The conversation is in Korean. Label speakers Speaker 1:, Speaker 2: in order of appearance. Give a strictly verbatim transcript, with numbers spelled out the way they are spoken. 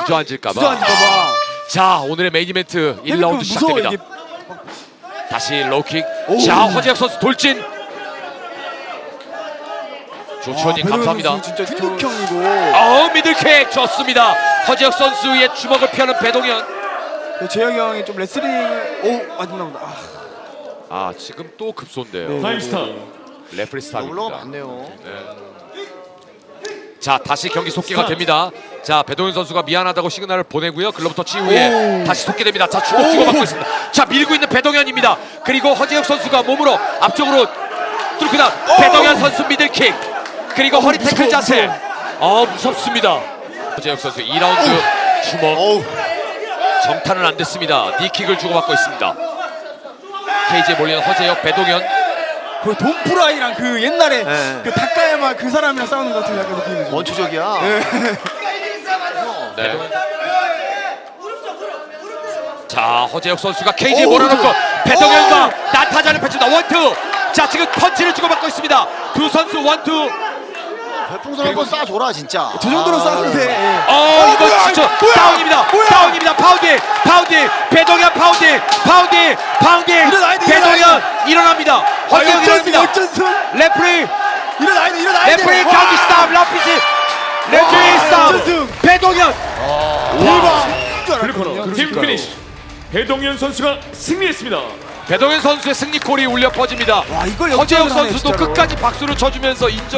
Speaker 1: 주저앉을까봐.
Speaker 2: 주저앉을까봐.
Speaker 1: 자, 오늘의 메인 이벤트 일 라운드
Speaker 2: 무서워,
Speaker 1: 시작됩니다.
Speaker 2: 이게.
Speaker 1: 다시 로우킥.
Speaker 2: 오.
Speaker 1: 자, 허재혁 선수 돌진. 조치원님
Speaker 2: 아,
Speaker 1: 감사합니다.
Speaker 2: 선수 진짜 근육형이고.
Speaker 1: 어, 미들킥 좋습니다. 허재혁 선수의 주먹을 피하는 배동현.
Speaker 2: 재혁이 형이 좀 레슬링을 오 맞나 보다. 아,
Speaker 1: 아, 지금 또 급소인데요.
Speaker 2: 네.
Speaker 3: 타임스타.
Speaker 1: 레프리 스탑입니다.
Speaker 4: 올라가 봤네요.
Speaker 1: 자, 다시 경기 속기가 됩니다. 자, 배동현 선수가 미안하다고 시그널을 보내고요. 글러브 터치 이후에
Speaker 2: 오.
Speaker 1: 다시 속기됩니다. 자, 주먹 주고받고 있습니다. 자, 밀고 있는 배동현입니다. 그리고 허재혁 선수가 몸으로 앞쪽으로 뚫고 나 배동현 선수 미들킥. 그리고 허리 태클
Speaker 2: 무서워,
Speaker 1: 자세.
Speaker 2: 무서워.
Speaker 1: 아, 무섭습니다. 허재혁 선수 이 라운드 주먹.
Speaker 4: 어우.
Speaker 1: 정타는 안 됐습니다. 니킥을 주고받고 있습니다. 케이지에 몰리는 허재혁, 배동현.
Speaker 2: 그 돈프라이랑 그 옛날에
Speaker 4: 네.
Speaker 2: 그 다카야마 그 사람이랑 싸우는 것 같은 약간 느낌이죠.
Speaker 4: 원초적이야.
Speaker 1: 네. 자, 허재혁 선수가 케이지에
Speaker 2: 오,
Speaker 1: 몰아넣고
Speaker 2: 그래.
Speaker 1: 배동현과 난타전을 펼친다. 원투. 자, 지금 펀치를 주고받고 있습니다. 두 선수 원투.
Speaker 4: 별풍선 한번 쏴줘라 진짜.
Speaker 2: 저 정도로
Speaker 4: 아.
Speaker 2: 싸우는데. 예.
Speaker 1: 어, 이거
Speaker 2: 뭐야,
Speaker 1: 진짜
Speaker 2: 뭐야,
Speaker 1: 다운입니다.
Speaker 2: 뭐야.
Speaker 1: 다운입니다. 파운딩, 파운딩. 배동현 파운딩, 파운딩, 파운딩.
Speaker 2: 일어나야 돼,
Speaker 1: 배동현
Speaker 2: 일어나야
Speaker 1: 일어납니다. 허재혁
Speaker 2: 역전승
Speaker 1: 일어납니다.
Speaker 2: 역전승.
Speaker 1: 레프리,
Speaker 2: 일어나야 돼 일어나야 돼.
Speaker 1: 레프리
Speaker 2: 와.
Speaker 1: 경기 스탑. 라피지. 레프리
Speaker 2: 와,
Speaker 1: 스탑.
Speaker 2: 역전승.
Speaker 1: 배동현.
Speaker 2: 대박.
Speaker 3: 블루코너 팀 피니시. 배동현 선수가 승리했습니다.
Speaker 1: 배동현 선수의 승리콜이 울려 퍼집니다.
Speaker 2: 와 이걸
Speaker 1: 허재혁
Speaker 2: 역전을 하네,
Speaker 1: 선수도
Speaker 2: 진짜로.
Speaker 1: 끝까지 박수를 쳐주면서 인정.